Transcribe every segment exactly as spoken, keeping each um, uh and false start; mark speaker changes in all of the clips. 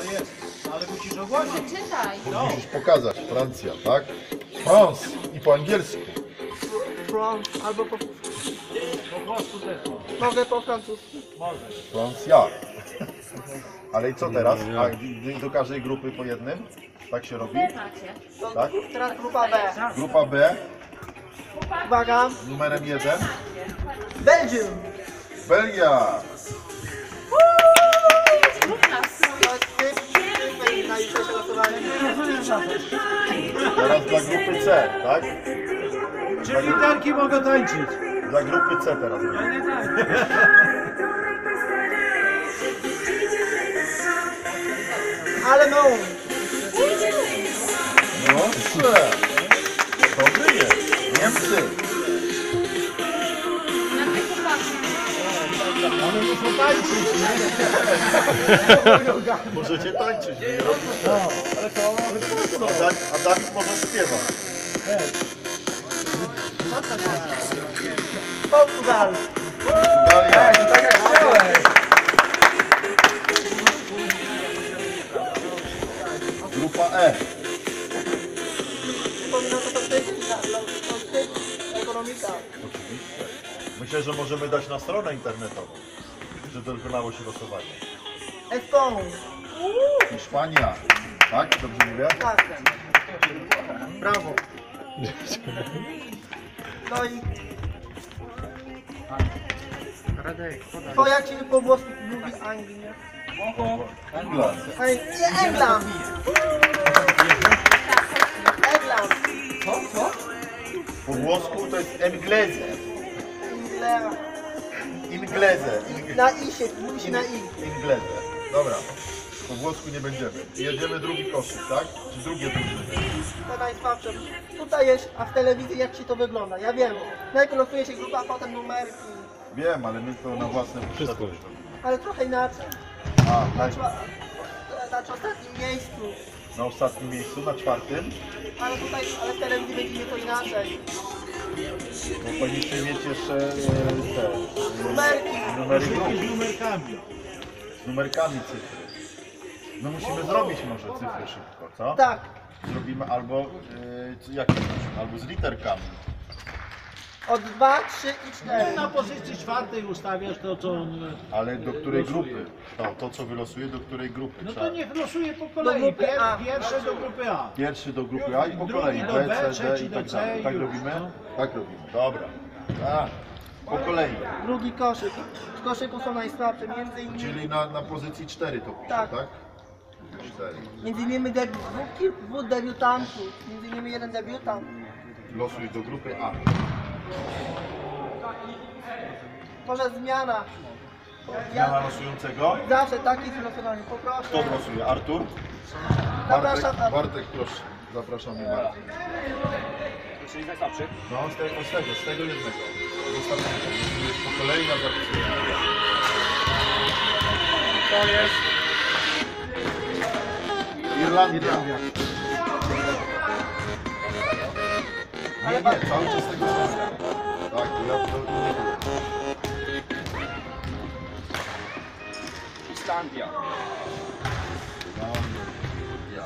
Speaker 1: Ale musisz ogłosić.
Speaker 2: Czytaj.
Speaker 3: Musisz pokazać. Francja, tak? France i po angielsku.
Speaker 4: France, albo po...
Speaker 1: Po włosku też.
Speaker 4: Mogę po francusku.
Speaker 3: Francja. Ale i co teraz? A do- do każdej grupy po jednym? Tak się robi?
Speaker 2: Macie.
Speaker 3: Tak?
Speaker 4: Teraz grupa B.
Speaker 3: Grupa B
Speaker 4: Uwaga.
Speaker 3: numerem jeden.
Speaker 4: Belgium.
Speaker 3: Belgia.
Speaker 2: Rób nas.
Speaker 4: To jest ty, ty na jutrzejsze losowanie.
Speaker 3: Teraz dla grupy C, tak?
Speaker 1: Czy literki mogą tańczyć?
Speaker 3: Dla grupy C teraz.
Speaker 4: Allemand.
Speaker 3: Dobrze. Dobry jest. Niemcy.
Speaker 2: Na mnie popatrzcie.
Speaker 1: One muszą tańczyć, nie?
Speaker 3: Możecie tańczyć.
Speaker 1: No, ale to...
Speaker 3: A, Dan a Dawid może śpiewa.
Speaker 4: Portugal.
Speaker 3: Dalia.
Speaker 1: Tak jak chciałeś.
Speaker 3: Grupa E.
Speaker 4: Przypominam, że to ty, to ty, ekonomika.
Speaker 3: Oczywiście. Myślę, że możemy dać na stronę internetową, że dokonało się losowanie.
Speaker 4: Eston.
Speaker 3: Hiszpania. Tak? Dobrze mówię?
Speaker 4: Tak. Brawo. No i... To jak się po włosku mówi Anglia?
Speaker 3: England.
Speaker 4: Ej, nie, England. England.
Speaker 3: Po włosku to jest Engleze.
Speaker 4: Inglera.
Speaker 3: Ingleze. Ing
Speaker 4: Na i się, mówi się na i.
Speaker 3: Ingleze. Dobra. Po włosku nie będziemy. Jedziemy drugi koszyk, tak? Czy drugie drużyny?
Speaker 4: To najsłabsze. Tutaj jest, a w telewizji jak się to wygląda? Ja wiem. Najpierw losuje się grupa, a potem numerki.
Speaker 3: Wiem, ale my to na własne potrzeby.
Speaker 4: Ale trochę inaczej.
Speaker 3: A,
Speaker 4: Na,
Speaker 3: na,
Speaker 4: czwa- na ostatnim miejscu.
Speaker 3: na ostatnim miejscu, na czwartym.
Speaker 4: Ale tutaj, ale w telewizji będzie nieco inaczej.
Speaker 3: Bo powinniśmy mieć jeszcze e, te e,
Speaker 4: Numerki.
Speaker 3: numery grup.
Speaker 1: Z numerkami.
Speaker 3: Z numerkami cyfry. No musimy zrobić może cyfry szybko, co?
Speaker 4: Tak.
Speaker 3: Zrobimy albo e, c- jakie? Albo z literkami.
Speaker 4: Od dwa, trzy i cztery.
Speaker 1: Na pozycji czwartej ustawiasz to, co on...
Speaker 3: Ale do której grupy? To, to co wylosuje, do której grupy?
Speaker 1: No
Speaker 3: Trzeba-
Speaker 1: to niech losuje po kolei.
Speaker 4: grupy
Speaker 1: Pier,
Speaker 4: A.
Speaker 1: pierwsze do grupy A.
Speaker 3: Pierwszy do grupy A i po
Speaker 1: Drugi
Speaker 3: kolei
Speaker 1: do
Speaker 3: B,
Speaker 1: B,
Speaker 3: C, D
Speaker 1: trzeci
Speaker 3: i
Speaker 1: do
Speaker 3: tak
Speaker 1: C
Speaker 3: dalej.
Speaker 1: i
Speaker 3: Tak
Speaker 1: już,
Speaker 3: robimy?
Speaker 1: no.
Speaker 3: Tak robimy. Dobra. Tak. Po kolei.
Speaker 4: Drugi koszyk. W koszyku są najsłabsze. Między innymi,
Speaker 3: Czyli na, na pozycji cztery to pisze,
Speaker 4: Tak.
Speaker 3: tak? cztery.
Speaker 4: między innymi debi- dwóch, kilku- dwóch debiutantów. Między innymi jeden debiutant.
Speaker 3: Losuj do grupy A.
Speaker 4: Może zmiana.
Speaker 3: Zmiana
Speaker 4: Ja
Speaker 3: losującego.
Speaker 4: zawsze taki jest losowanie. Poproszę.
Speaker 3: Kto losuje? Artur?
Speaker 4: Zapraszam.
Speaker 3: Bartek, Bartek proszę. Zapraszamy Bartek.
Speaker 5: Czyli najsłabszy.
Speaker 3: No z tego, z tego, z tego jednego. Z ostatniego. Losujesz po kolei na zapisy.
Speaker 5: To jest
Speaker 3: Irlandia. Nie, nie, cały czas tego samego. Tak, to ja to nie było.
Speaker 5: Islandia.
Speaker 3: Ja.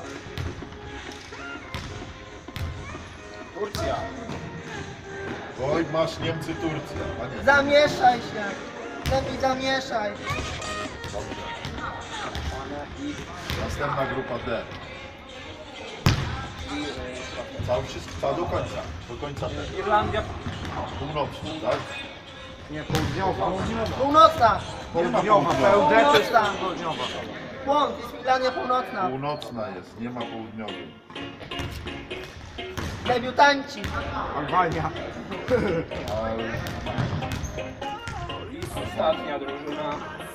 Speaker 5: Turcja.
Speaker 3: Oj, masz Niemcy, Turcja. A nie.
Speaker 4: Zamieszaj się. Lepiej zamieszaj.
Speaker 3: Dobrze.
Speaker 5: I,
Speaker 3: Następna grupa D.
Speaker 5: i y,
Speaker 3: Cały wszystko, cała do końca. Do końca tego.
Speaker 5: Irlandia.
Speaker 3: Północny, tak?
Speaker 5: Nie, południowa.
Speaker 4: Północna.
Speaker 3: Południowa.
Speaker 4: Północna. Błąd. Jest Irlandia Północna.
Speaker 3: Północna jest, nie ma południowej.
Speaker 4: Debiutanci.
Speaker 5: Albania.
Speaker 3: Ale
Speaker 5: Ostatnia drużyna.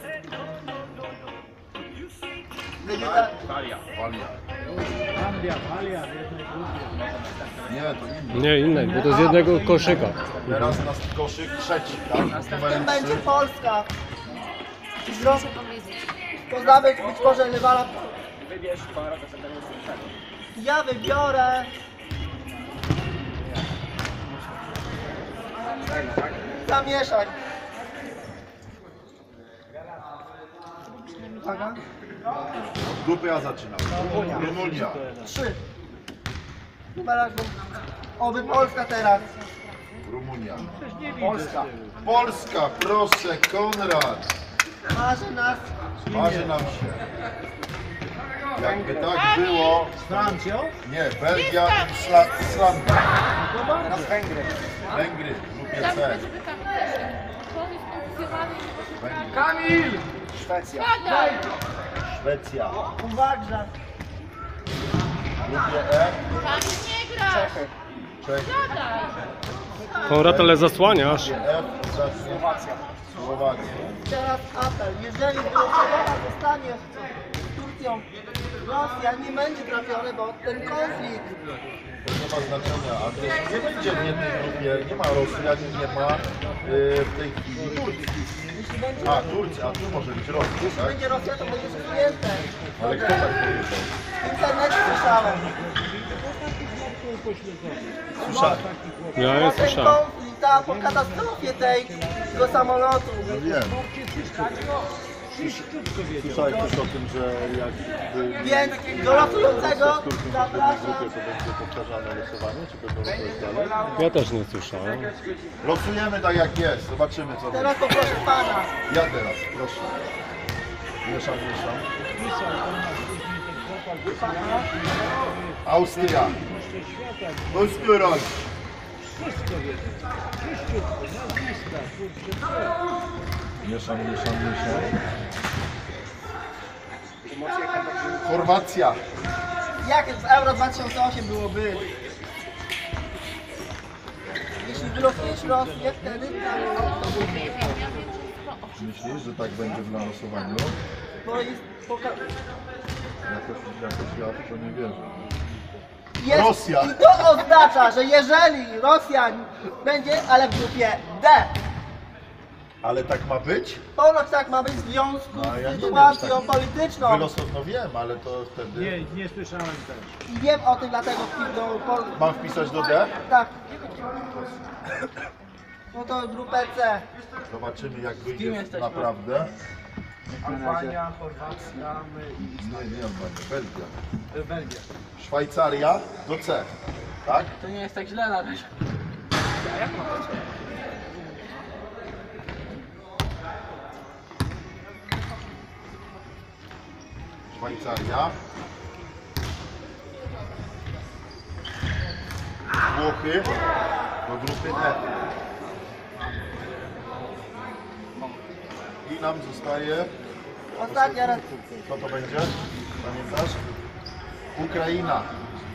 Speaker 4: Debiutanci.
Speaker 5: Italia.
Speaker 3: Walia.
Speaker 1: Anglia, Walia w jednej grupie.
Speaker 3: Nie, to inny.
Speaker 6: Nie, innej, bo to z jednego koszyka.
Speaker 3: Teraz nas koszyk trzeci, tak? Z
Speaker 4: Tym
Speaker 3: numerem
Speaker 4: będzie
Speaker 3: trzy.
Speaker 4: Polska.
Speaker 2: Proszę powiedzieć.
Speaker 4: Poznamy być może rywala.
Speaker 5: Wybierz pan reprezentantów.
Speaker 4: Ja wybiorę. Zamieszaj. Uwaga.
Speaker 3: Od grupy A zaczynam. Rumunia.
Speaker 4: Trzy. Chyba raz. Oby Polska teraz.
Speaker 3: Rumunia.
Speaker 5: Polska.
Speaker 3: Polska, proszę, Konrad.
Speaker 4: Marzy nas.
Speaker 3: Marzy nam się. Jakby tak było,
Speaker 1: Z Francją?
Speaker 3: nie, Belgia i Isla- Islandia.
Speaker 5: Teraz Węgry.
Speaker 3: Węgry w grupie
Speaker 2: Tam,
Speaker 3: C.
Speaker 2: żeby tam też. To jest kontuzjowany i nie może
Speaker 3: Węgry.
Speaker 5: Kamil! Szwecja.
Speaker 2: Padaj!
Speaker 3: Szwecja.
Speaker 4: Uwaga.
Speaker 3: W grupie E.
Speaker 2: Tam nie gra!
Speaker 5: Czechy.
Speaker 3: Czechy.
Speaker 2: Padaj!
Speaker 6: Konrad, ale zasłaniasz.
Speaker 3: W grupie F. Zacznie
Speaker 5: Słowacja.
Speaker 3: Słowacja.
Speaker 4: Teraz apel. Jeżeli wylosowana zostanie z Turcją, Rosja nie będzie trafiony, bo ten konflikt.
Speaker 3: To nie ma znaczenia, a też nie będzie w jednej grupie, nie ma Rosjan, nie ma yy, w tej chwili Turcji.
Speaker 4: Jeśli będzie,
Speaker 3: A, Turcja, a tu może być Rosja,
Speaker 4: jeśli
Speaker 3: tak?
Speaker 4: będzie Rosja, to będzie zwinięte.
Speaker 3: Ale kto tak powiedział?
Speaker 4: W internecie słyszałem.
Speaker 3: Słyszałem.
Speaker 6: Ja
Speaker 4: Po
Speaker 6: nie
Speaker 4: ten
Speaker 6: słyszałem.
Speaker 4: konflikt, a po katastrofie tej, tego samolotu.
Speaker 3: No wiem. Słyszałeś też o tym, że jak
Speaker 4: Więc do losującego zapraszam.
Speaker 3: to będzie powtarzane losowanie, czy będą losować dalej?
Speaker 6: Ja też nie słyszałem.
Speaker 3: Losujemy tak jak jest, zobaczymy co będzie.
Speaker 4: Teraz poproszę pana.
Speaker 3: Ja teraz, proszę. Mieszam, mieszam. Austria. Österreich. Mieszam, mieszam, mieszam. Chorwacja.
Speaker 4: Jak w Euro dwa tysiące osiem byłoby? Jeśli wylosujesz Rosję, wtedy
Speaker 2: Nie wiem, ja wiem, że jest to
Speaker 3: Myślisz, że tak będzie w losowaniu?
Speaker 4: bo jest poka-
Speaker 3: Jakoś, jakoś ja w to nie wierzę.
Speaker 4: jest
Speaker 3: Rosja.
Speaker 4: I to oznacza, że jeżeli Rosja będzie, ale w grupie D,
Speaker 3: Ale tak ma być?
Speaker 4: ponoć tak ma być w związku
Speaker 3: No, ja nie
Speaker 4: z
Speaker 3: wiem,
Speaker 4: sytuacją
Speaker 3: tak-
Speaker 4: polityczną.
Speaker 3: Wylosow, no wiem, ale to wtedy...
Speaker 1: Nie, nie słyszałem też.
Speaker 4: I wiem o tym, dlatego wpis do Pol-
Speaker 3: Mam wpisać do D?
Speaker 4: Tak. No to grupę C.
Speaker 3: Zobaczymy jak wyjdzie naprawdę.
Speaker 5: Albania, Chorwacja, my i
Speaker 3: Nie, nie Albania, Belgia.
Speaker 5: Belgia.
Speaker 3: Szwajcaria do C. Tak?
Speaker 4: To nie jest tak źle na razie.
Speaker 3: Szwajcaria. Włochy do grupy E. I nam zostaje...
Speaker 4: Ostatnia raz.
Speaker 3: Co to będzie? Pamiętasz? Ukraina.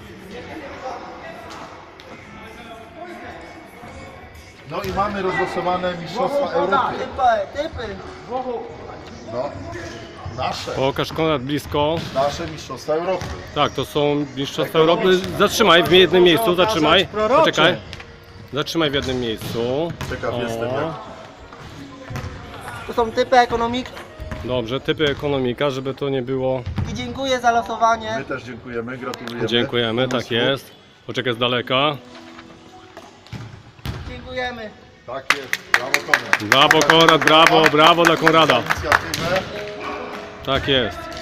Speaker 3: No i mamy rozlosowane Mistrzostwa Europy.
Speaker 4: Typy, typy.
Speaker 3: No, nasze.
Speaker 6: Pokaż, Konrad, blisko.
Speaker 3: Nasze Mistrzostwa Europy.
Speaker 6: Tak, to są Mistrzostwa Europy. Zatrzymaj w jednym miejscu, zatrzymaj. Poczekaj. Zatrzymaj w jednym miejscu.
Speaker 3: Ciekaw
Speaker 6: O.
Speaker 3: jestem jak...
Speaker 4: To są typy ekonomik.
Speaker 6: Dobrze, typy ekonomika, żeby to nie było.
Speaker 4: I dziękuję za losowanie.
Speaker 3: My też dziękujemy, gratulujemy.
Speaker 6: Dziękujemy, tak
Speaker 3: Pomysłu.
Speaker 6: jest. Poczekaj z daleka.
Speaker 4: Dziękujemy.
Speaker 3: Tak jest, brawo Konrad.
Speaker 6: Brawo, Konrad, brawo, brawo dla Konrada.
Speaker 3: Za inicjatywę.
Speaker 6: Tak jest.